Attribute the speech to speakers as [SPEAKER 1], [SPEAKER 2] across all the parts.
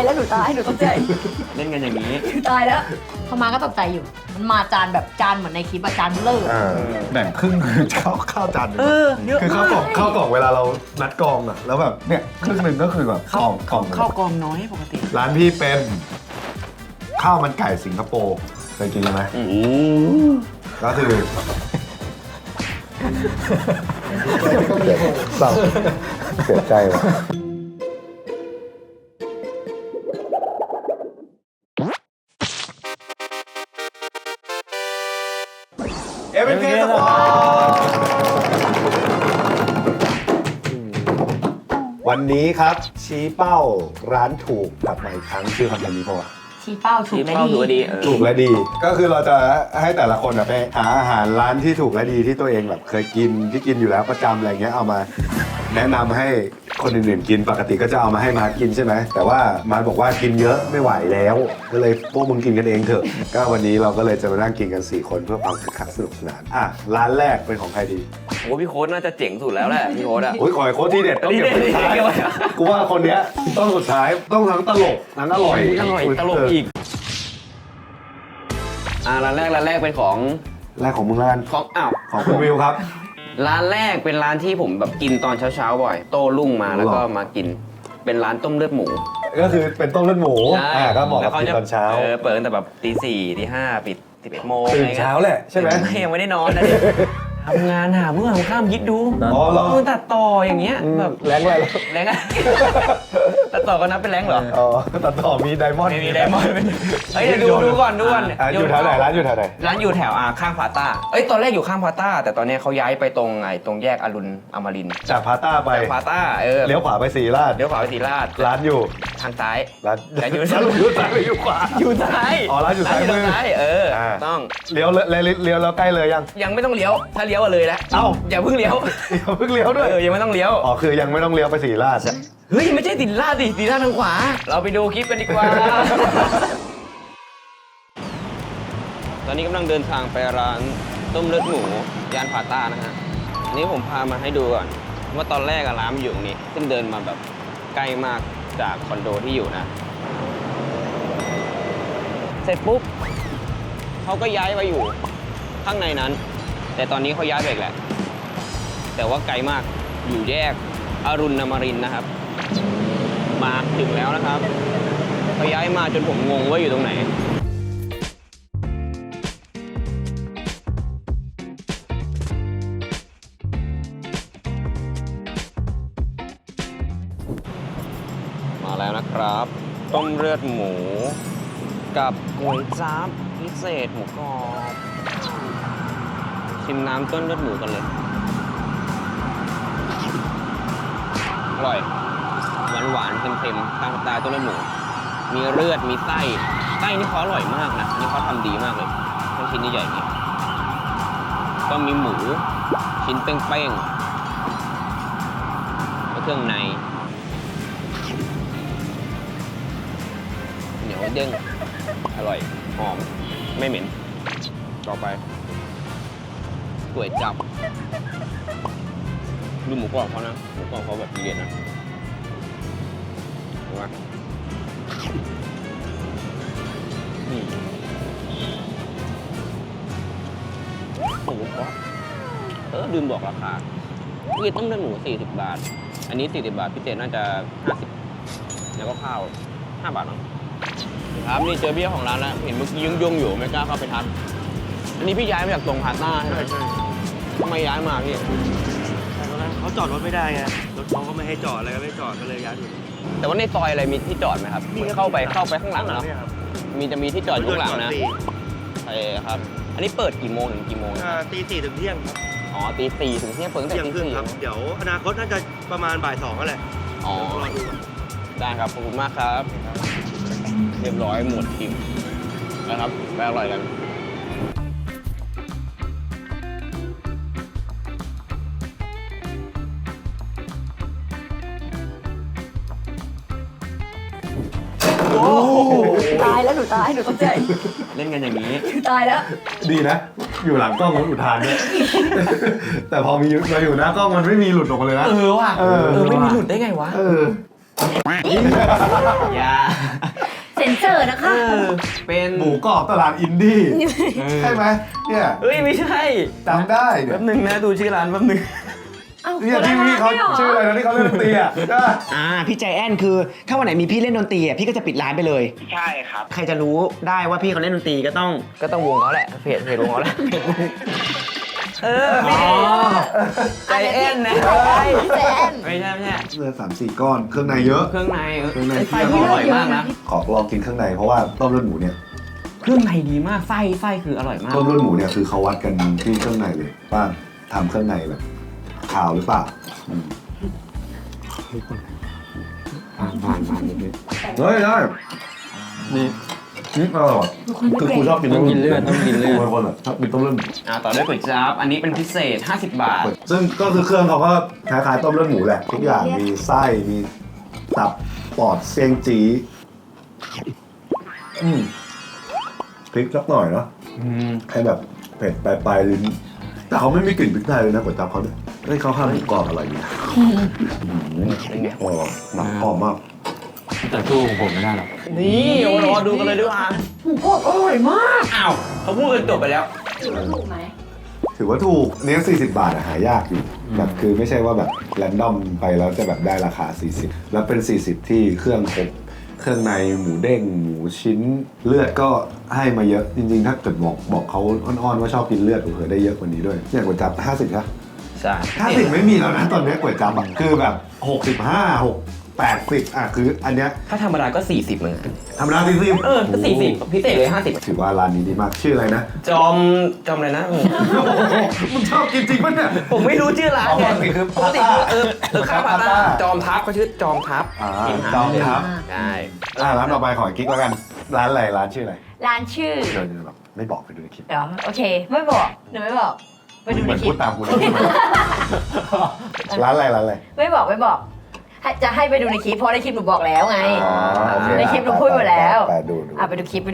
[SPEAKER 1] แล้วหนูตายหนูตกใจ
[SPEAKER 2] เล่นกันอย่างนี้
[SPEAKER 1] ตายแล้วเขามาก็ตกใจอยู่ มันมาจานแบบจานเหมือนในคลิปอะจานเบลอ
[SPEAKER 3] แบ่งครึ่งคือข้าวจานหนึ่ง
[SPEAKER 1] เยอะ
[SPEAKER 3] คือ
[SPEAKER 1] มา
[SPEAKER 3] ข้าวกล่องเวลาเรานัดกองอะแล้วแบบเนี่ยครึ่งหนึ่งก็คือแบบกล่อง
[SPEAKER 2] ข้าวกองน้อยปกติ
[SPEAKER 3] ร้านพี่เป็นข้าวมันไก่สิงคโปร์เคยกินไหมก็คือเศร้าเสียใจว่ะเอเวนเคสปอร์วันนี้ครับชี้เป้าร้านถูกกลับมาอีกครั้งชื่อคอนเทนต์นี้ป่าวะ
[SPEAKER 1] ชี้เป้าถูกและดี
[SPEAKER 3] ถูกและดีก็คือเราจะให้แต่ละคนไปหาอาหารร้านที่ถูกและดีที่ตัวเองแบบเคยกินที่กินอยู่แล้วประจำอะไรเงี้ยเอามาแนะนำให้คนอื่นๆกินปกติก็จะเอามาให้มากินใช่ไหมแต่ว่ามาบอกว่ากินเยอะไม่ไหวแล้วก็เลยพวกมึงกินกันเองเถอะก็วันนี้เราก็เลยจะมานั่งกินกัน4คนเพื่อความคึกคักสนุกสนานร้านแรกเป็นของใครดี
[SPEAKER 2] โอ้พี่โค้ดน่าจะเจ๋งสุดแล้วแหละพี่โค้ดอะ
[SPEAKER 3] โอ้ยขอให้โค้ชที่เด็ดต้องเก็บไว้สุดท้ายกูว่าคนเนี้ยต้องสุดท้ายต้องทั้งตลกทั้งอร่อย
[SPEAKER 2] ตลกอีกร้านแรกเป็นของ
[SPEAKER 3] แรกของมึงแล้วกัน
[SPEAKER 2] ของ
[SPEAKER 3] คุณวิวครับ
[SPEAKER 2] ร้านแรกเป็นร้านที่ผมแบบกินตอนเช้าบ่อยโต้รุ่งมาแล้วก็มากินเป็นร้านต้มเลือดหมู
[SPEAKER 3] ก็คือเป็นต้มเลือดหมู ก็บอก
[SPEAKER 2] แล้ว
[SPEAKER 3] กับกินตอนเช้า
[SPEAKER 2] เปิดตั้งแต่แบบตี 4 ตี 5 ปิด 11 โมง
[SPEAKER 3] ตื่นเช้าแหละใช่ไหม
[SPEAKER 2] ยังไม่ได้นอนนะทำงานหาเมื่อผมข้ามคิดดู
[SPEAKER 3] อ๋อเหรอ
[SPEAKER 2] ตัดต่ออย่างเงี้ยแบบ
[SPEAKER 3] แรงอะไร
[SPEAKER 2] แรงอะ ตัดต่อก็นับเป็นแรงเหรอ
[SPEAKER 3] อ๋อตัดต่อมีไดมอนด์
[SPEAKER 2] ไม่มีไดมอนด์เฮ้ยเดี๋ยวดูก่อน
[SPEAKER 3] อยู่แถวไหนร้านอยู่แถวไหน
[SPEAKER 2] ร้านอยู่แถวข้างพาต้าตอนแรกอยู่ข้างพาต้าแต่ตอนนี้เขาย้ายไปตรงแยกอรุณอมรินทร์
[SPEAKER 3] จากพาต้าไป
[SPEAKER 2] จากพาต้า
[SPEAKER 3] เลี้ยวขวาไปศรีราช
[SPEAKER 2] เลี้ยวขวาไปศรีราช
[SPEAKER 3] ร้านอยู่
[SPEAKER 2] ทางซ้าย
[SPEAKER 3] ร้าน
[SPEAKER 2] ร้านอยู่
[SPEAKER 3] ร้านอยู่ซ้ายหรืออยู่ขวา
[SPEAKER 2] อยู่ซ้าย
[SPEAKER 3] อ๋อร้านอยู่ซ้ายมือ
[SPEAKER 2] ซ้ายต้อง
[SPEAKER 3] เลี้ยวแล้วใกล้เลยยัง
[SPEAKER 2] ยังไม่ต้องเลี้ยวถ้าเลี้ยวเลยแล้ว
[SPEAKER 3] เอ้า
[SPEAKER 2] อย่าเพิ่งเลี้ยว
[SPEAKER 3] เพิ่งเลี้ยวด้วย
[SPEAKER 2] ยังไม่ต้องเลี้ยว
[SPEAKER 3] อ๋อคือยังไม่ต้องเลี้ยวไปศรีราช
[SPEAKER 2] เฮ้ยไม่ใช่ศรีราชดิศรีราชทางขวาเราไปดูคลิปกันดีกว่า ตอนนี้กำลังเดินทางไปร้านต้มเลือดหมูย่านพาต้านะฮะอันนี้ผมพามาให้ดูก่อนว่าตอนแรกร้านมันอยู่ตรงนี้ซึ่งเดินมาแบบใกล้มากจากคอนโดที่อยู่นะ เสร็จปุ๊บเขาก็ย้ายไปอยู่ข้างในนั้น แต่ตอนนี้เขาย้ายไปอีกแหละแต่ว่าไกลมากอยู่แยกอรุณอมรินทร์นะครับมาถึงแล้วนะครับเขาย้ายมาจนผมงงว่าอยู่ตรงไหนมาแล้วนะครับต้มเลือดหมูกับก๋วยจั๊บพิเศษหมูกรอบชิมน้ำต้มเลือดหมูกันเลยอร่อยหวานๆเค็มๆตามสไตล์ต้มเลือดหมูมีเลือดมีไส้นี่เขาอร่อยมากนะนี่เขาทำดีมากเลยทั้งชิ้นใหญ่ๆนี่ก็มีหมูชิ้นเป้งๆแล้วเครื่องในเหนียวเด้งอร่อยหอมไม่เหม็นต่อไปก๋วยจั๊บดูหมูกรอบเขานะหมูกรอบเขาแบบดีเด่นนะเห็นไหมหมูกรอบลืมบอกราคาพี่ต้องเลือกหมู40 บาทอันนี้40 บาทพิเศษน่าจะ50แล้วก็ข้าว5 บาทมั้งครับนี่เจอพี่ของร้านแล้วเห็นเมื่อกี้ยุ่งอยู่ไม่กล้าเข้าไปทักอันนี้พี่ย้ายมาจากตรงพาต้าใช่ไหมใช่ทำไมย้ายมาพี่
[SPEAKER 4] เขาจอดรถไม่ได้ไง รถเขาก็ไม่ให้จอดอะไรก็ไม่จอดก็เลยย้ายอยู่
[SPEAKER 2] แต่ว่าในซอยอะไรมีที่จอดไหมครับเข้าไปข้างหลังเนาะ
[SPEAKER 4] เนี่ยครับ
[SPEAKER 2] จะมีที่จอดอยู่ข้างหลังนะใช่ครับ อันนี้เปิดกี่โมงถึงกี่โมง
[SPEAKER 4] ตี 4 ถึงเที่ยงครับ
[SPEAKER 2] อ๋อตี 4ถึงเที่ยงเปิดตั้งแต่
[SPEAKER 4] เที่ยง
[SPEAKER 2] ตี
[SPEAKER 4] ครึ่ง
[SPEAKER 2] 4
[SPEAKER 4] ครับ เดี๋ยวอนาคตน่าจะประมาณบ่าย 2ก็แหละ
[SPEAKER 2] อ๋อ
[SPEAKER 4] รอดูก่อน
[SPEAKER 2] ได้ครับขอบคุณมากครับ เรียบร้อยหมดอิ่มนะครับไปอร่อยกัน
[SPEAKER 1] ตายแล้วหนูตายหนูตกใจ
[SPEAKER 2] เล่นกันอย่างนี้
[SPEAKER 1] ตายแล้ว
[SPEAKER 3] ดีนะ อยู่หลังกล้องมันอุทานด้วย แต่พอมาอยู่หน้ากล้องมันไม่มีหลุดออกมาเลยนะ
[SPEAKER 2] ว่ะไม่มีหลุดได้ไงวะอย่า
[SPEAKER 1] เซ็นเซอร์นะคะ
[SPEAKER 2] เป็น
[SPEAKER 3] หมูกรอบตลาดอินดี้ใช่ไหมเนี่ย
[SPEAKER 2] เฮ้ยไม่ใช่
[SPEAKER 3] จำได้เนี่
[SPEAKER 2] แป๊
[SPEAKER 3] ย
[SPEAKER 2] บนึงนะดูชื่อร้านแป๊บนึง
[SPEAKER 1] เอ้า
[SPEAKER 3] เนี่ยที่พี่เขาชื่ออะไรนะที่เขาเล่นดนตรีอ่ะใช่ปะ
[SPEAKER 5] พี่ใจแอนคือถ้าวันไหนมีพี่เล่นดนตรีพี่ก็จะปิดร้านไปเลย
[SPEAKER 6] ใช่ครับ
[SPEAKER 5] ใครจะรู้ได้ว่าพี่เขาเล่นดนตรีก็ต้อง
[SPEAKER 2] วงเขาแหละเพจวงเขาแหละใจแอนนะ
[SPEAKER 1] พี่แจน
[SPEAKER 2] ไม่ใช่
[SPEAKER 3] เลือด3-4 ก้อนเครื่องในเยอะ
[SPEAKER 2] เครื่องใน
[SPEAKER 3] เครื่องใน
[SPEAKER 2] ไส้เขาอร่อยมากนะ
[SPEAKER 3] ขอลองกินเครื่องในเพราะว่าต้มเลือดหมูเนี่ย
[SPEAKER 2] เครื่องในดีมากไส้คืออร่อยมาก
[SPEAKER 3] ต้มเลือดหมูเนี่ยคือเขาวัดกันที่เครื่องในเลยว่าทำเครื่องในแบบขาวหรือเปล่าผ่านนิดนึงเฮ้ยได้นี่อร่อยคือกูชอบกิน
[SPEAKER 2] ต้องกินเลือด
[SPEAKER 3] กูเป็นคนชอบกินต้มเลือด
[SPEAKER 2] ต่อด้วยก๋วยจั๊บอันนี้เป็นพิเศษ50 บาท
[SPEAKER 3] ซึ่งก็คือเครื่องเขาก็คล้ายๆต้มเลือดหมูแหละทุกอย่างมีไส้มีตับปอดเซียงจีพริกสักหน่อยเนาะให้แบบเผ็ดปลายลิ้นแต่เขาไม่มีกลิ่นพริกไทยเลยนะก๋วยจั๊บเขาเนี่ยเฮ้ยเขาทำหมูกรอบอะไรเนี่ย
[SPEAKER 2] เป็นไง
[SPEAKER 3] โอ้หนักหอมมาก
[SPEAKER 2] แต่สู้ของผมไม่ได้หรอกนี่รอดูกันเลยดีกว่า
[SPEAKER 1] หมูกรอบอร่อยมาก
[SPEAKER 2] อ้าวเขาพูดกันจบไปแล้ว
[SPEAKER 1] ถูกไหม
[SPEAKER 3] ถือว่าถูกเนี้ย40 บาทอะหายากอยู่แบบคือไม่ใช่ว่าแบบแรนดอมไปแล้วจะแบบได้ราคา40แล้วเป็น40ที่เครื่องครบเครื่องในหมูเด้งหมูชิ้นเลือดก็ให้มาเยอะจริงๆถ้าเกิดบอกเขาอ้อนๆว่าชอบกินเลือดเผื่อได้เยอะกว่านี้ด้วยเนี่ยก๋วยจั๊บ50ครับ
[SPEAKER 2] ใช่
[SPEAKER 3] 50ไม่มีแล้วนะตอนนี้ก๋วยจั๊บอะคือแบบ65 80คืออันเนี้ย
[SPEAKER 2] ถ้าธรรมดาก็40เหมือนกัน
[SPEAKER 3] ธรรมดา40
[SPEAKER 2] ก็40พิเศษเลย50
[SPEAKER 3] ถือว่าร้านนี้ดีมากชื่ออะไรนะ
[SPEAKER 2] จอมอะไรนะ
[SPEAKER 3] มึงชอบกินจริงปะเนี่ย
[SPEAKER 2] ผมไม่รู้ชื่อร้านไง
[SPEAKER 3] ปกติคือ
[SPEAKER 2] ปกติข้าวพาต้าจอมทัพเขาชื่อจอมทัพ
[SPEAKER 3] จอมทัพ
[SPEAKER 2] ใช่
[SPEAKER 3] ร้านต่อไปขอกิ๊กแล้วกันร้านอะไรร้านชื่ออะไร
[SPEAKER 1] ร้านชื่อ
[SPEAKER 3] เดี๋ยวแบบไม่บอกไปดูในคลิป
[SPEAKER 1] เดี๋ยวโอเค ไม่บอกหนูไม่บอก ไปดู
[SPEAKER 3] เห
[SPEAKER 1] ใน
[SPEAKER 3] มือน
[SPEAKER 1] คลิ
[SPEAKER 3] พู
[SPEAKER 1] ป
[SPEAKER 3] ดตามกูเลยร้านอะไรร้านอะไร
[SPEAKER 1] ไม่บอกจะให้ไปดูในคลิปเพราะในคลิปหนูบอกแล้วไง
[SPEAKER 3] อ๋อโอเค
[SPEAKER 1] ในคลิปหนูพูดไปแล้ว
[SPEAKER 3] ไปดู
[SPEAKER 1] ไปดูคลิป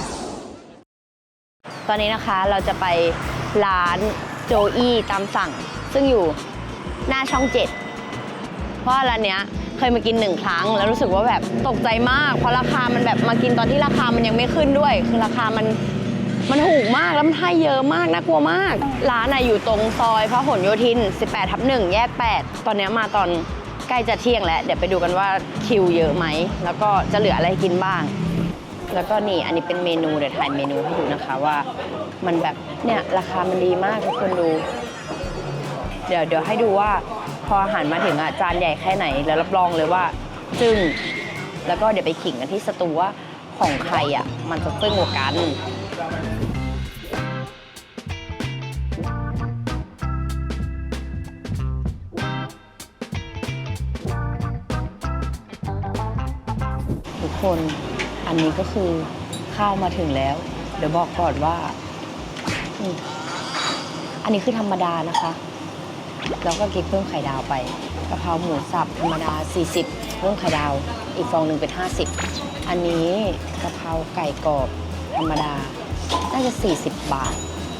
[SPEAKER 7] ตอนนี้นะคะเราจะไปร้านโจอี้ตามสั่ง ซึ่งอยู่หน้าช่อง 7 เพราะร้านเนี้ยเคยมากิน1 ครั้ง แล้วรู้สึกว่าแบบตกใจมาก เพราะราคามันแบบมากินตอนที่ราคามันยังไม่ขึ้นด้วย คือราคามันถูกมากแล้วมันให้เยอะมากน่ากลัวมาก ร้านอยู่ตรงซอยพหลโยธิน 18/1 แยก 8 ตอนนี้มาตอนใกล้จะเที่ยงแล้วเดี๋ยวไปดูกันว่าคิวเยอะไหมแล้วก็จะเหลืออะไรให้กินบ้าง แล้วก็นี่อันนี้เป็นเมนูเดี๋ยวถ่ายเมนูให้ดูนะคะว่ามันแบบเนี่ยราคามันดีมากทุกคนดู เดี๋ยวให้ดูว่าพออาหารมาถึงจานใหญ่แค่ไหนแล้วรับรองเลยว่าจึ้งแล้วก็เดี๋ยวไปขิงกันที่สตูว่าของใครมันจะจึ้งกว่ากันทุกคนอันนี้ก็คือข้าวมาถึงแล้ว เดี๋ยวบอกก่อนว่าอันนี้คือธรรมดานะคะแล้วก็กิ๊กเพิ่มไข่ดาวไปกะเพราหมูสับธรรมดา40เพิ่มไข่ดาวอีกฟองหนึ่งเป็น50อันนี้กะเพราไก่กรอบธรรมดาน่าจะ40 บาท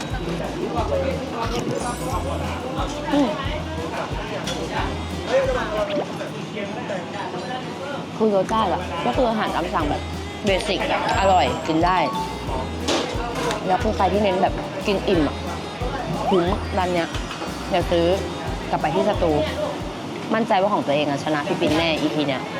[SPEAKER 7] คือรสชาติก็คืออาหารตามสั่งแบบเบสิกอร่อยกินได้แล้วคือใครที่เน้นแบบกินอิ่มคุ้มร้านเนี้ยเดี๋ยวซื้อกลับไปที่สตูมั่นใจว่าของตัวเองชนะพี่ปินแน่ EP เนี้ย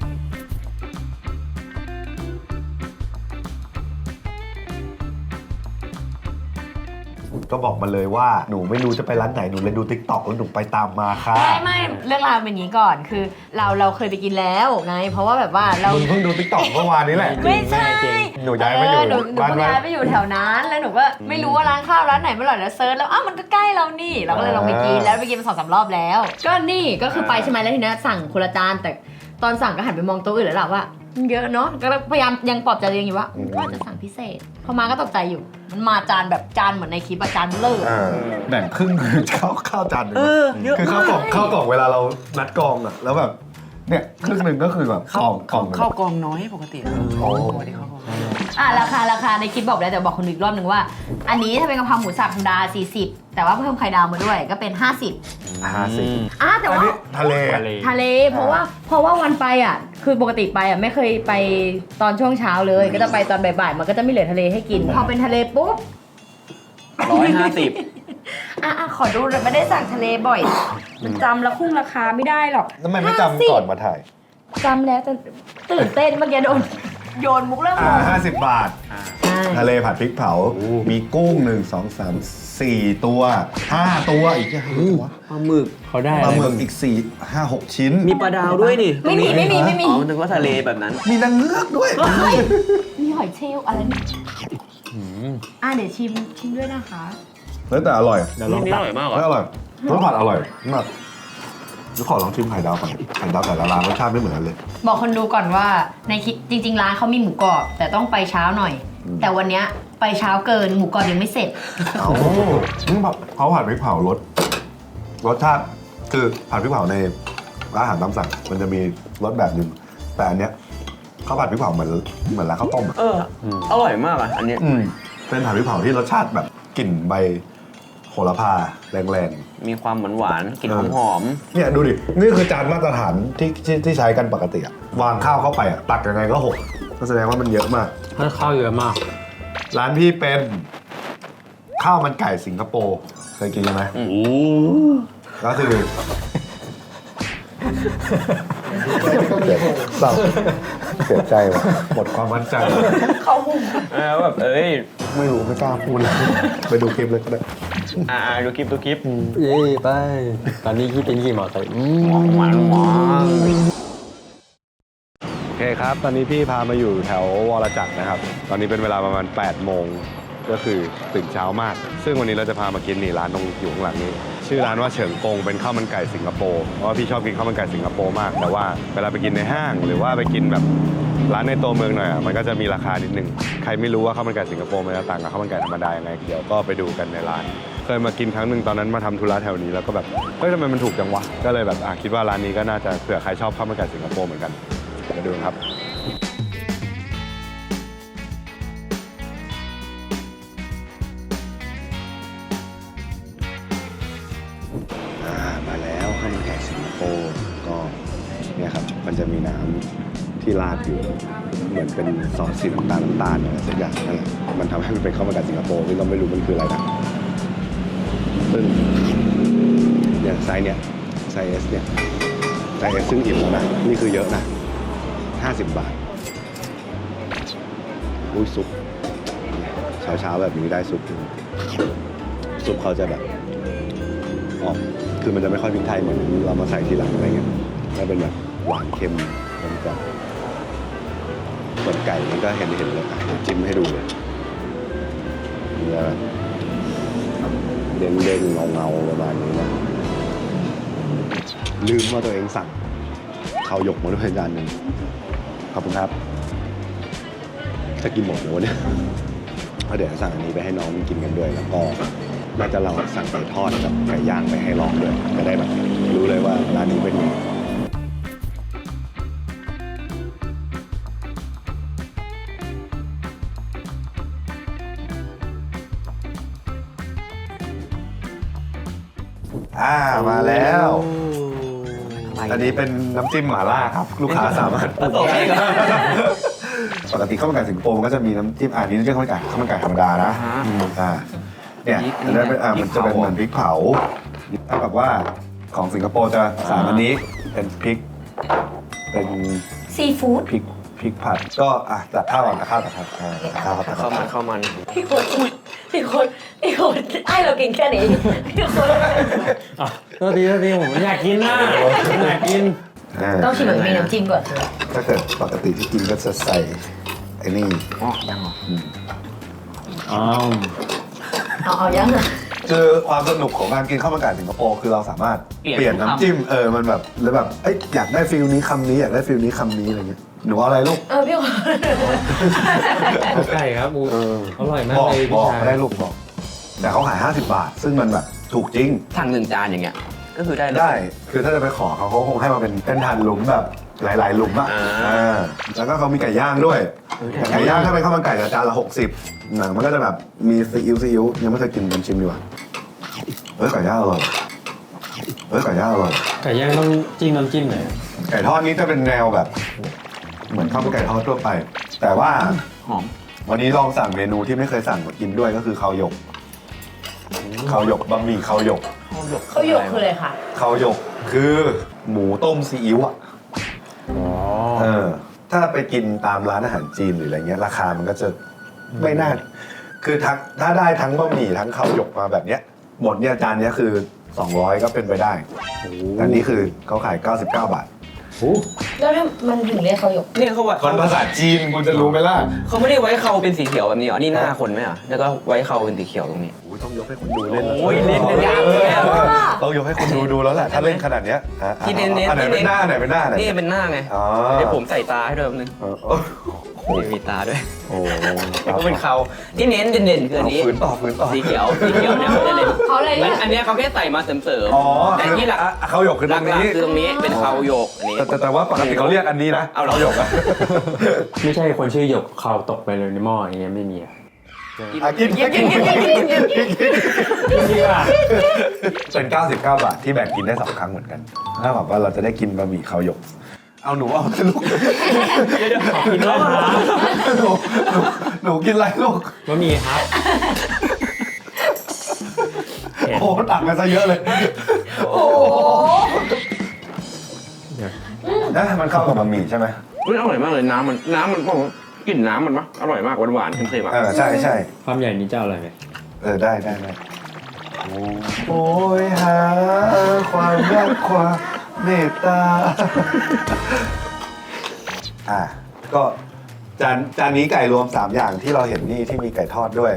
[SPEAKER 3] ก็บอกมาเลยว่าหนูไม่รู้จะไปร้านไหนหนูเลยดู TikTok แล้วหนูไปตามมาค่ะ
[SPEAKER 1] ไม่เรื่องราวเป็นอย่างนี้ก่อนคือเราเคยไปกินแล้วไง เพราะว่าแบบว่าเรา
[SPEAKER 3] มึงเพิ่งดู TikTok เมื่อวานนี้แหละ
[SPEAKER 1] ไม่ใช่
[SPEAKER 3] หนูย้ายมาอยู่
[SPEAKER 1] หนู
[SPEAKER 3] บ้าน
[SPEAKER 1] เพิ่งย้ายไปอยู่แถวนั้นแล้วหนูก็ไม่รู้ว่าร้านข้าวร้านไหนไม่อร่อยแล้วเซิร์ชแล้วอ้าวมันก็ใกล้เรานี่เราก็เลยลองไปกินแล้วไปกินมา2-3 รอบแล้ว ก็นี่ก็คือไปใช่ไหมแล้วทีนี้สั่งคนละจานแต่ตอนสั่งก็หันไปมองโต๊ะอื่นแล้วล่ะว่ามันเยอะเนาะก็พยายามยังปลอบใจตัวเองอยู่ว่าจะสั่งพิเศษพอมาก็ตกใจอยู่มันมาจานแบบจานเหมือนในคลิปจานเลิศ
[SPEAKER 3] แบ่งครึ่งคือข้าวจานหนึงคือข้าวกล่องเวลาเรานัดกองอะแล้วแบบเนี่ยครึ่งหนึ่งก็คือแบบกล่อง
[SPEAKER 5] ข้าวกองน้อยปกติ
[SPEAKER 3] โอ้
[SPEAKER 5] ปกติข้าวกองน้อย
[SPEAKER 1] ราคาในคลิปบอกแล้วแต่บอกคนดูอีกรอบหนึ่งว่า อันนี้ถ้าเป็นกะเพราหมูสับธรรมดา40 แต่ว่าเพิ่มไข่ดาวมาด้วยก็เป็น50
[SPEAKER 3] 50
[SPEAKER 1] แต่
[SPEAKER 3] อัน
[SPEAKER 1] ว่า
[SPEAKER 3] นี้ทะเล
[SPEAKER 1] ทะเลเพราะว่าวันไปอ่ะคือปกติไปอ่ะไม่เคยไปตอนช่วงเช้าเลย ก็จะไปตอนบ่ายๆมันก็จะไม่เหลือทะเลให้กิน พอเป็นทะเลปุ๊บ
[SPEAKER 2] 150
[SPEAKER 1] ขอดูเลยไม่ได้สั่งทะเลบ่อย มันจำแล้วคุ้งราคาไม่ได้หรอก
[SPEAKER 3] ทำไมไม่จำก่อนมาถ่าย
[SPEAKER 1] จำแล้วแต่ตื่นเต้นเมื่อกี้โยนมุกเริ่มงง
[SPEAKER 3] 50 บาท ทะเลผัดพริกเผา มีกุ้ง 1 2 3 4 ตัว 5 ตัวอีกแค่วะ
[SPEAKER 2] ปลาหมึก
[SPEAKER 4] เขาได้
[SPEAKER 3] ปลาหมึกอีก 4 5 6 ชิ้น
[SPEAKER 2] มีปลาดาวด้วยนี่
[SPEAKER 1] ไม่มี
[SPEAKER 2] อ๋อนึกว่าทะเลแบบนั้น
[SPEAKER 3] มีนางเงือกด้วย
[SPEAKER 1] มีหอยเชลล์อะไรนี่เดี๋ยวชิมด้วยนะคะ
[SPEAKER 3] แล้วแต่อร่อย
[SPEAKER 4] เดี๋ยวลอง
[SPEAKER 2] นี่
[SPEAKER 4] ตั
[SPEAKER 2] อก ร่อยมากเหรอ
[SPEAKER 3] แล้วอร่อยรสผัดอร่อยมากแล้วขอลองชิมไข่ดาวก่อนไข่ดาวแต่ละร้านรสชาติไม่เหมือนกันเลย
[SPEAKER 1] บอกคนดูก่อนว่าในคลิปจริงๆร้านเขามีหมูกรอบแต่ต้องไปเช้าหน่อย แต่วันเนี้ยไปเช้าเกินหมูกรอบยังไม่เสร็จ
[SPEAKER 3] เอาเขาผัดพริกเผารสชาติคือผัดพริกเผาในร้านอาหารตามสั่งมันจะมีรสแบบนึงแต่อันเนี้ยเขาผัดพริกเผาเหมือนร้านข้าวต้มอะ
[SPEAKER 2] อร่อยมากอ่ะ อันเนี้ย
[SPEAKER 3] เป็นผัดพริกเผาที่รสชาติแบบกลิ่นใบโหระพาแรง
[SPEAKER 2] มีความหวานๆกลิ่นหอม
[SPEAKER 3] ๆเนี่ยดูดินี่คือจานมาตรฐานที่ใช้กันปกติอะวางข้าวเข้าไปอะตักยังไงก็หกก็แสดงว่ามันเยอะมาก
[SPEAKER 4] ถ้าข้าวเยอะมาก
[SPEAKER 3] ร้านพี่เป็นข้าวมันไก่สิงคโปร์เคยกินไหมก็คือเศร้าเสียใจว่ะหมดความมั่นใจ
[SPEAKER 2] ๆแบบ
[SPEAKER 3] ไม่รู้ไม่กล้าพูดเลยไปดูคลิปเลยก็ได้
[SPEAKER 2] ดูคลิป
[SPEAKER 4] เย้ไป ตอนนี้คิดเป็นกี่หมอไก่
[SPEAKER 2] หวาน
[SPEAKER 3] โอเคครับ ตอนนี้พี่พามาอยู่แถววรจักรนะครับ ตอนนี้เป็นเวลาประมาณ8 โมงก็คือตื่นเช้ามาก ซึ่งวันนี้เราจะพามากินนี่ร้านตรงอยู่ข้างหลังนี้ ชื่อร้านว่าเฉิงกงเป็นข้าวมันไก่สิงคโปร์เพราะว่าพี่ชอบกินข้าวมันไก่สิงคโปร์มากแต่ว่าเวลาไปกินในห้างหรือว่าไปกินแบบร้านในตัวเมืองหน่อยมันก็จะมีราคานิดนึงใครไม่รู้ว่าข้าวมันไก่สิงคโปร์มันจะต่างกับข้าวมันไก่ธรรมดายังไงเดี๋ยวก็ไปดูกันในร้านเคยมากินครั้งหนึ่งตอนนั้นมาทำธุระแถวนี้แล้วก็แบบเฮ้ยทำไมมันถูกจังวะก็เลยแบบคิดว่าร้านนี้ก็น่าจะเผื่อใครชอบข้าวมันไก่สิงคโปร์เหมือนกันมาดูครับมาแล้วข้าวมันไก่สิงคโปร์ก็เนี่ยครับมันจะมีน้ำที่ราดอยู่เหมือนเป็นซอสสีน้ำตาลอะไรสักอย่างนั่นแหละมันทำให้มันเป็นข้าวมันไก่สิงคโปร์ที่เราไม่รู้มันคืออะไรนะซึ่งเนี่ยไซส์ไซส์ S เนี่ยไซส์ S ซึ่งอิ่มแล้วนะนี่คือเยอะนะ50 บาทอุ้ยซุปเช้าแบบนี้ได้ซุปเขาจะแบบคือมันจะไม่ค่อยพริกไทยเหมือนเรามาใส่ทีหลังอะไรเงี้ยแล้วเป็นแบบหวานเค็มมันจะส่วนไก่มันก็เห็นเลยเดี๋ยวจิ้มให้ดูเลยเนื้อเด้งๆเงาๆประมาณนี้นะลืมว่าตัวเองสั่งข้าวหยกมาด้วยจานหนึ่งขอบคุณครับจะกินหมดเลยวะเนี่ยเพราะเดี๋ยวสั่งอันนี้ไปให้น้องกินกันด้วยแล้วก็น่าจะเราสั่งไก่ทอดกับไก่ย่างไปให้ลองด้วยจะได้แบบรู้เลยว่าร้านนี้เป็นยังไงมาแล้ว อันนี้เป็นน้ำจิ้มหม่าล่าครับ ลูกค้าสามารถปรุงได้ปกติข้าวมันไก่สิงคโปร์มันก็จะมีน้ำจิ้มอันนี้เรียกข้าวมันไก่ธรรมดานะเนี่ยอันนั้นเป็นมันจะเป็นเหมือนพริกเผาถ้าแบบว่าของสิงคโปร์จะอันนี้เป็นพริกเป็น
[SPEAKER 1] ซีฟู้ด
[SPEAKER 3] พริกผัดก็ตัดข้าวก่อนตัดข้าวครับ
[SPEAKER 2] ข้าวมัน
[SPEAKER 1] พี่คนไอเรากินแค่นี้พี่คน
[SPEAKER 4] โทษทีผมอยากกินนะอยากกิน
[SPEAKER 1] ต้องชิมแบบมีน้ำจิ้มก่อน
[SPEAKER 3] ถ้าเกิดปกติที่กินก็จะใส่ไอ้นี่
[SPEAKER 2] ยังเหรอ
[SPEAKER 1] เอายังอ่ะ
[SPEAKER 3] คือความสนุกของการกินข้าวมันไก่สิงคโปร์คือเราสามารถเปลี่ยนน้ำจิ้มมันแบบหรือแบบอยากได้ฟิลนี้คำนี้อยากได้ฟิลนี้คำนี้อะไรเงี้ยหนูเอาอะไรลูก
[SPEAKER 1] พี่คน
[SPEAKER 4] ไก่ครับอร่อยมากเลย
[SPEAKER 3] บอกได้ลูกบอกแต่เขาขาย50 บาทซึ่งมันแบบถูกจริง
[SPEAKER 2] สั่ง1 จานอย่างเงี้ยก็คือได้เลย
[SPEAKER 3] ได้ คือถ้าจะไปขอเขาคงให้มาเป็นหั่นหลุมแบบหลายๆหลุมอ่ะ แล้วก็เขามีไก่ย่างด้วย ไก่ย่างถ้าเป็นข้าวมันไก่จานละ60หนังมันก็จะแบบมีซีอิ๊วยังไม่เคยกินลองชิมดีกว่าไก่ย่างอร่อยไก่ย่างอร่อย
[SPEAKER 6] ไก่ย่างต้องจิ้มน้ำจิ้มไหน
[SPEAKER 3] ไก่ทอดนี้จะเป็นแนวแบบ เหมือนข้าวมันไก่ทอดทั่วไป แต่ว่า
[SPEAKER 2] หอม
[SPEAKER 3] วันนี้ลองสั่งเมนูที่ไม่เคยสั่งมากินด้วยก็คือข้าวหยกบะหมี่ข้าวหยก
[SPEAKER 1] เขาหยกคืออะไรคะ
[SPEAKER 3] ข้าวหยกคือหมูต้มซีอิ๊วอ่ะถ้าไปกินตามร้านอาหารจีนหรืออะไรเงี้ยราคามันก็จะไม่น่าคือถ้าได้ทั้งบะหมี่ทั้งข้าวหยกมาแบบเนี้ยหมดเนี่ยจานเนี้ยคือ200ก็เป็นไปได้แต่นี่คือเขาขาย99 บาท
[SPEAKER 1] แล้วถ้ามันถึงเรียกเขาหยก
[SPEAKER 2] เนี่ยเขาว่า
[SPEAKER 3] คนภาษาจีนคุณจะรู้ไหมล่ะ
[SPEAKER 2] เขาไม่ได้ไว้เขาเป็นสีเขียวแบบนี้เหรอนี่หน้าคนไหมอ่ะแล้วก็ไว้เขาเป็นสีเขียวตรงนี้
[SPEAKER 3] ต้องยกให้คนดูเล่น
[SPEAKER 2] โอ้ยเล่นยากเลยอะ
[SPEAKER 3] ต้องยกให้คนดูแล้วแหละถ้าเล่นขนาดเนี้ย
[SPEAKER 2] ที่เน้น
[SPEAKER 3] อันไหนเป็นหน้าอันไหนเป็นหน้าไหน
[SPEAKER 2] นี่เป็นหน้าไง
[SPEAKER 3] อ๋อ
[SPEAKER 2] เดี๋ยวผมใส่ตาให้ด้วยแป๊บนึง นี่มีตาด้วย
[SPEAKER 3] โอ้
[SPEAKER 2] แล้วก็เป็นเขาที่เน้นเด่นๆคืออันนี้
[SPEAKER 3] ฝืนต่อ
[SPEAKER 2] สีเขียวเนี่ยเขาจะเด่น
[SPEAKER 1] เขาเลยเรียก
[SPEAKER 2] อันเนี้ยเขาแค่ใส่มาเสริม
[SPEAKER 3] อ๋อ
[SPEAKER 2] ๆแต่ที่หลัก
[SPEAKER 3] เขาหยกคือตรง
[SPEAKER 2] หลัก
[SPEAKER 3] นี้
[SPEAKER 2] ๆคือตรงนี้เป็นเขาโยกอันนี้
[SPEAKER 3] แต่ว่าปกติเขาเรียกอันนี้นะ
[SPEAKER 2] เอาเหรอ
[SPEAKER 3] หยกอะ
[SPEAKER 6] ไม่ใช่คนชื่อหยกเข่าตกไปเลยในหม้ออย่างเงี้ยไม่มีอะ
[SPEAKER 3] กินเป็น99 บาทที่แบ่งกินได้2 ครั้งเหมือนกันถ้าแบบว่าเราจะได้กินบะหมี่ข้าวหยกเอาหนูเอาลูก
[SPEAKER 6] กินแล้วครับ
[SPEAKER 3] หนูกินอะไรลูก
[SPEAKER 6] บะหมี่ครับ
[SPEAKER 3] โอ้ตักมาซะเยอะเลย
[SPEAKER 1] โอ้
[SPEAKER 3] นะมันเข้ากับบะหมี่ใช่ไหม
[SPEAKER 2] อุ๊ยอร่อยมากเลยน้ำมันผมกลิ่นน้ำมันปะอร่อยมากหวานๆเค็มๆอ่ะ
[SPEAKER 3] ใช่
[SPEAKER 6] ความใหญ่นี้จะเอาอะไรไหม
[SPEAKER 3] ได้โอ้ยหาความรักความเมตตาก็จานนี้ไก่รวม3อย่างที่เราเห็นนี่ที่มีไก่ทอดด้วย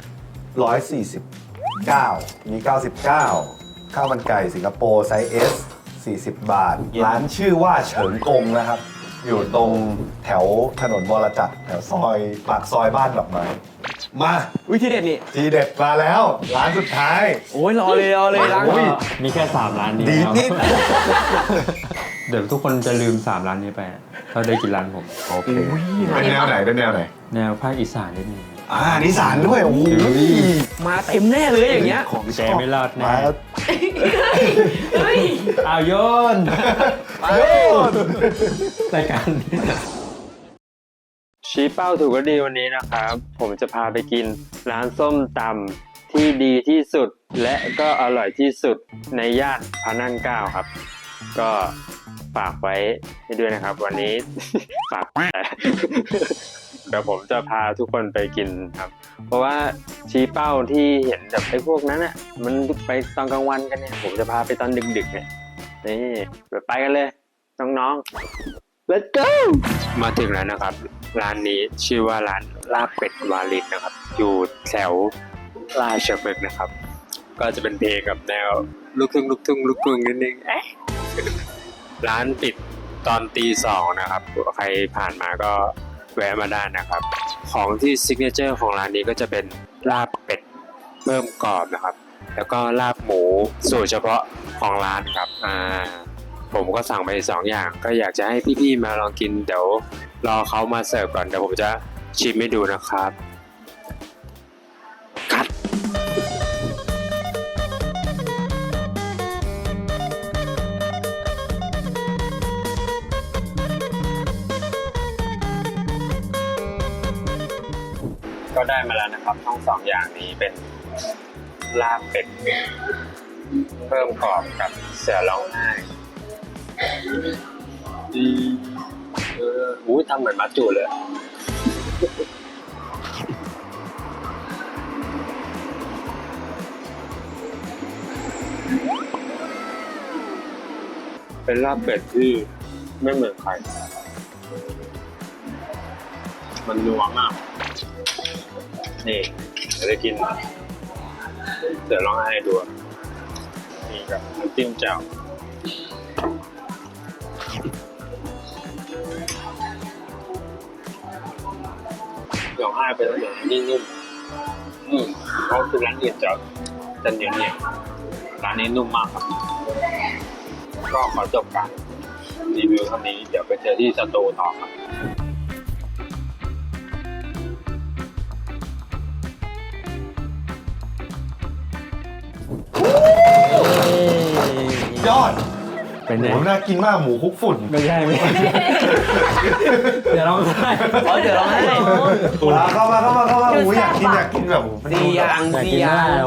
[SPEAKER 3] 149มี99ข้าวมันไก่สิงคโปร์ไซส์ S 40 บาทร้านชื่อว่าเฉิงกงนะครับอยู่ตรงแถวถนนวรจักรแถวซอยปากซอยบ้านดอกไม้มา
[SPEAKER 2] วิธีเด็ดนี่
[SPEAKER 3] ทีเด็ดมาแล้ว ร้านสุดท้าย
[SPEAKER 2] โอ้ยรอเลยล้าง
[SPEAKER 3] โอ้ย
[SPEAKER 6] มีแค่3ร้านนี้
[SPEAKER 3] ดี
[SPEAKER 6] ครับ
[SPEAKER 3] นิด
[SPEAKER 6] เดี๋ยวทุกคนจะลืม3ร้านนี้ไปถ้าได้กินร้านผม
[SPEAKER 3] โอเคเป็นแนวไหน
[SPEAKER 6] แนวภาคอีสานนิดนึง
[SPEAKER 3] นิสานด้วยโอ้โห
[SPEAKER 2] มาเต็มแน่เลยอย่างเงี้ย
[SPEAKER 3] ของ
[SPEAKER 6] แกไม่รอดแน่
[SPEAKER 3] มา
[SPEAKER 6] เอาโยน
[SPEAKER 3] โยน
[SPEAKER 6] รายการชี้เป้าถูกก็ดีวันนี้นะครับ ผมจะพาไปกินร้านส้มตำที่ดีที่สุดและก็อร่อยที่สุดในย่านพระนั่งเกล้าครับ ก็ฝากไว้ให้ด้วยนะครับ วันนี้ ฝาก เดี๋ยวผมจะพาทุกคนไปกินครับ เพราะว่าชี้เป้าที่เห็นแบบไอ้พวกนั้นอ่ะมันไปตอนกลางวันกันเนี่ยผมจะพาไปตอนดึกๆเนี่ยนี่ไปกันเลยน้องๆ Let's go มาถึงแล้วนะครับ ร้านนี้ชื่อว่าร้านลาบเป็ดวาลินนะครับ อยู่แถวราชพฤกษ์นะครับ ก็จะเป็นเพลงกับแนวลูกทุ่งนิดนึงร้านปิดตอนตี 2นะครับใครผ่านมาก็แวะมาได้นะครับของที่ซิกเนเจอร์ของร้านนี้ก็จะเป็นลาบเป็ดเพิ่มกรอบนะครับแล้วก็ลาบหมูสูตรเฉพาะของร้านครับผมก็สั่งไป2อย่างก็อยากจะให้พี่ๆมาลองกินเดี๋ยวรอเขามาเสิร์ฟก่อนเดี๋ยวผมจะชิมให้ดูนะครับคัดก็ได้มาแล้วนะครับทั้ง2อย่างนี้เป็นลาบเป็ดเพิ่มกรอบกับเสือร้องไห้ทำเหมือนมัจจุเลยเป็นลาบเป็ดที่ไม่เหมือนใครมันนัวมากนี่จะได้กินเดี๋ยวลองให้ดูนี่ครับน้ำจิ้มแจ่วเดี๋ยวให้ไปแล้วเดี๋ยวนี่นุ่มเขาคือร้านอื่นจะเหนียวร้านนี้นุ่มมากครับก็ขอจบการรีวิวเท่านี้เดี๋ยวไปเจอที่สตูต่อครับ
[SPEAKER 3] ยอด
[SPEAKER 8] เป็น
[SPEAKER 3] ห
[SPEAKER 8] ไง
[SPEAKER 3] มูน่ากินมากหมูคลุกฝุ่น
[SPEAKER 8] ไม่ใช่ไม่ใช่เดี๋ยวเราให้
[SPEAKER 2] เดี๋ยวเราให้
[SPEAKER 3] เข้ามาหมูอยากกินแบบหมู
[SPEAKER 2] สี่อย่าง
[SPEAKER 8] อยาก
[SPEAKER 2] สี่
[SPEAKER 8] กิน
[SPEAKER 2] อย่า
[SPEAKER 8] ได้
[SPEAKER 2] ง
[SPEAKER 8] โอ้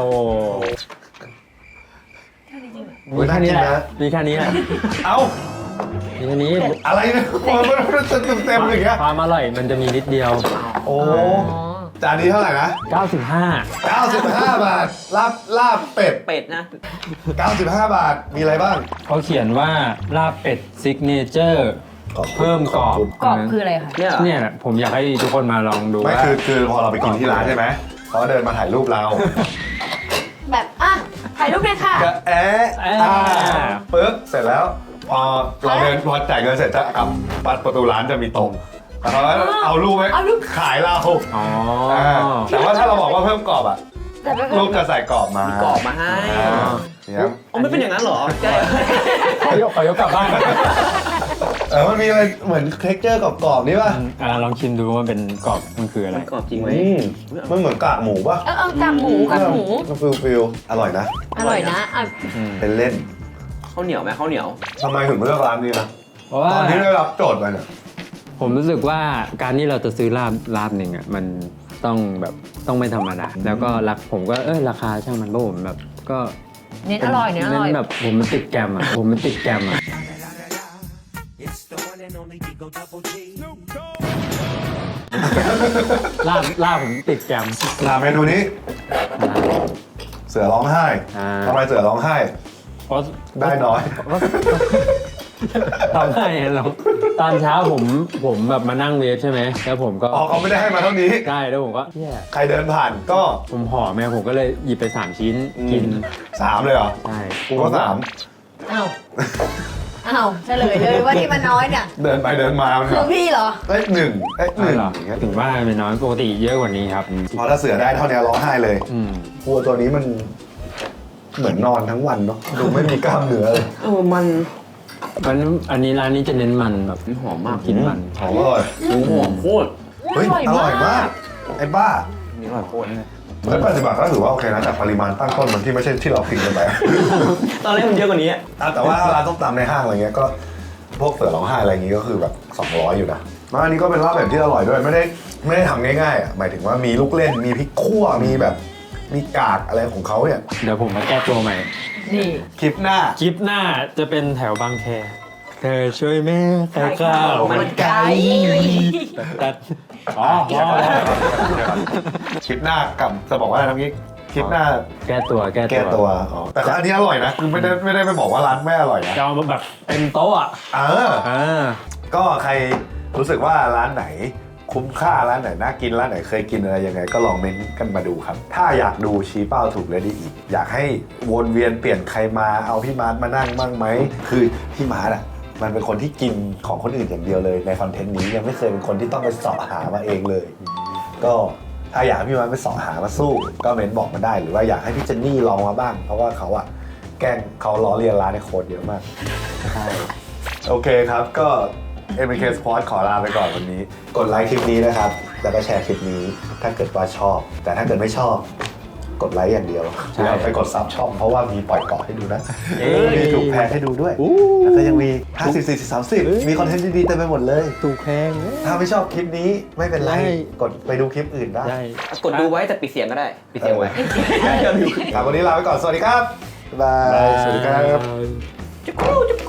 [SPEAKER 3] หมูน่ากินนะ
[SPEAKER 8] มีแค่นี้แหละ
[SPEAKER 3] เอ้า
[SPEAKER 8] มีแค่นี้
[SPEAKER 3] อะไรเนี่ยมันเต็มอย่างเงี้ย
[SPEAKER 8] ความอร่อยมันจะมีนิดเดียว
[SPEAKER 3] โอ้จานนี้เท่าไหร่นะ
[SPEAKER 8] 95
[SPEAKER 3] 95 บาทลาบเป็ด
[SPEAKER 2] เป็ดนะ
[SPEAKER 3] 95 บาทมีอะไรบ้าง
[SPEAKER 8] เขาเขียนว่าลาบเป็ดซิกเนเจอร์เพิ่มกรอบ
[SPEAKER 1] กรอบคืออะไรคะ
[SPEAKER 2] เนี่ยเหรอ
[SPEAKER 8] เนี่ยแหละผมอยากให้ทุกคนมาลองดู
[SPEAKER 3] ไม่
[SPEAKER 8] ว่า
[SPEAKER 3] คือพอเราไปกินที่ร้านใช่ไหมเขาเดินมาถ่ายรูปเรา
[SPEAKER 1] แบบอ่ะถ่ายรูปเลยค่ะ
[SPEAKER 3] ก็ปึ๊บเสร็จแล้ว พอจ่ายเงินเสร็จจะกลับประตูร้านจะมีตรงแล้วเขาก็เอารูปไว้
[SPEAKER 1] เอารูป
[SPEAKER 3] ขายเรา
[SPEAKER 8] อ๋อ
[SPEAKER 3] แต่ว่าถ้าเราบอกว่าเพิ่มกรอบอะ
[SPEAKER 1] แต่ไม่
[SPEAKER 3] รูปจะใส่กรอบมา
[SPEAKER 2] กรอบมาให้
[SPEAKER 3] เนี่ย
[SPEAKER 2] อ๋อไม่เป็นอย่างนั้นเหรอใช่
[SPEAKER 8] ขอยกกลับบ้าน
[SPEAKER 3] มันมีอะไรเหมือนเท็กเจอร์กรอบๆนี่ป่ะ
[SPEAKER 8] ลองชิมดูว่าเป็นกรอบมันคืออะไร
[SPEAKER 2] มันกรอบจริงไหม
[SPEAKER 3] มันเหมือนกากหมูป่ะ
[SPEAKER 1] เอากากหมู
[SPEAKER 3] ฟิลอร่อยนะ
[SPEAKER 1] อร่อยนะอ่ะ
[SPEAKER 3] เป็นเล่น
[SPEAKER 2] ข้าวเหนียวไหมข้าวเหนียว
[SPEAKER 3] ทำไมถึงเลือกร้านนี้นะ
[SPEAKER 8] เพราะว่า
[SPEAKER 3] ตอนที่ได้รับโจทย์มาเนี่ย
[SPEAKER 8] ผมรู้สึกว่าการที่เราจะซื้อลาบหนึ่งอ่ะมันต้องไม่ธรรมดาแล้วก็ผมก็ราคาช่างมันเพราะผมแบบก็
[SPEAKER 1] เน้นอร่อยเน้นอร่อย
[SPEAKER 8] แบบผมมันติดแกรมอ่ะลาบผมติดแกรม
[SPEAKER 3] เมนูนี้ เสือร้องไห้ ทำไมเสือร้องไห้
[SPEAKER 8] เพราะ
[SPEAKER 3] ได้น้อย
[SPEAKER 8] ทำให้เราตอนเช้าผมแบบมานั่งเวฟใช่ไหมแล้วผมก็
[SPEAKER 3] อ๋อเขาไม่ได้ให้มาเท่านี้
[SPEAKER 8] ใช่แล้วผมก็
[SPEAKER 3] ใครเดินผ่านก็
[SPEAKER 8] ผมห่อแม่ผมก็เลยหยิบไป3 ชิ้นกิน
[SPEAKER 3] 3เลยเหรอ
[SPEAKER 8] ใช่
[SPEAKER 3] กูก็3
[SPEAKER 1] อ้าวเฉลยเลยว่าที่มันน้อยเนี่ย
[SPEAKER 3] เดินไปเดินมามัน
[SPEAKER 1] คือพี่เหรอ
[SPEAKER 3] เอ้ย1
[SPEAKER 8] ใช่เหรอ
[SPEAKER 3] อย่างเงี้ย
[SPEAKER 8] ถึงว่าเป็นน้อยปกติเยอะกว่านี้ครับ
[SPEAKER 3] พอถ้าเสือได้เท่านี้ร้องไห้เลย
[SPEAKER 8] อืม
[SPEAKER 3] วัวตัวนี้มันเหมือนนอนทั้งวันเนาะดูไม่มีกล้ามเนื้อเลย
[SPEAKER 2] มัน
[SPEAKER 8] อันนี้ร้านนี้จะเน้นมันแบบ
[SPEAKER 2] หอมมาก
[SPEAKER 8] กินมัน
[SPEAKER 3] หอมอร่อย
[SPEAKER 2] หอมโคตร
[SPEAKER 3] เฮ้ยอร่อยมากไอ้บ้า
[SPEAKER 2] นี่อร่อยโคตร
[SPEAKER 3] เฮ้ย80 บาทก็ถือว่าโอเคนะแต่ปริมาณตั้งต้นมันที่ไม่ใช่ที่เราพิงกันไป
[SPEAKER 2] ตอนแรกมันเยอะกว่านี้
[SPEAKER 3] แต่ว่าร้านต้มตำในห้างอะไรเงี้ยก็พวกเสือร้องไห้อะไรอย่างงี้ก็คือแบบ200อยู่นะแล้วอันนี้ก็เป็นลาบแบบที่อร่อยด้วยไม่ได้ทำง่ายๆอ่ะหมายถึงว่ามีลูกเล่นมีพริกคั่วมีแบบมีกากอะไรของเขาเนี่ย
[SPEAKER 8] เดี๋ยวผมมาแก้ตัวใหม่
[SPEAKER 1] นี่
[SPEAKER 3] คลิปหน้า
[SPEAKER 8] คลิปหน้าจะเป็นแถวบางแคเธอช่วยแม่ขายข้าว
[SPEAKER 1] มันไก่
[SPEAKER 8] ตัดอ๋อ
[SPEAKER 3] คลิปหน้ากับจะบอกว่าอะไรนะพี่คลิปหน้า
[SPEAKER 8] แก้ตัว
[SPEAKER 3] แก้ตัวอ๋อแต่อันนี้อร่อยนะคือไม่ได้ไปบอกว่าร้านไม่อร่อยนะ
[SPEAKER 8] จะเอามาแบบเต็มโต๊ะอ่ะ
[SPEAKER 3] ก็ใครรู้สึกว่าร้านไหนคุ้มค่าร้านไหนน่ากินร้านไหนเคยกินอะไรยังไงก็ลองเม้นต์กันมาดูครับถ้าอยากดูชี้เป้าถูกเลยดีอีกอยากให้วนเวียนเปลี่ยนใครมาเอาพี่มาร์ทมานั่งบ้างไหมคือพี่มาร์ทอ่ะมันเป็นคนที่กินของคนอื่นอย่างเดียวเลยในคอนเทนต์นี้ยังไม่เคยเป็นคนที่ต้องไปเสาะหามาเองเลย ก็ถ้าอยากให้พี่มาร์ทไปเสาะหามาสู้ก็เม้นต์บอกมาได้หรือว่าอยากให้พี่เจนนี่ลองมาบ้างเพราะว่าเขาอะแกล้งเขาล้อเลียนร้านในโค้ดเยอะมากใช่โอเคครับก็ MK Sport ขอลาไปก่อนวันนี้กดไลค์คลิปนี้นะครับแล้วก็แชร์คลิปนี้ถ้าเกิดว่าชอบ แต่ถ้าเกิดไม่ชอบกดไลค์อย่างเดียวแล้วไปกดซับช่องเพราะว่ามีปล่อยเกาะให้ดูนะมีถูกแพงให้ดูด้วยแล้วก็ยังมี50 40 30มีคอนเทนต์ดีๆเต็มไปหมดเลย
[SPEAKER 8] ถูกแพง
[SPEAKER 3] ถ้าไม่ชอบคลิปนี้ไม่เป็นไรกดไปดูคลิปอื่นได้
[SPEAKER 8] ได้
[SPEAKER 2] กดดูไว้แต่ปิดเสียงก็ได้ ปิดเสียงไว้
[SPEAKER 3] ครับวันนี้ลาไปก่อนสวัสดีครับบ๊ายบายสวัสดีครับ
[SPEAKER 1] จุ๊กกู้จุ๊ก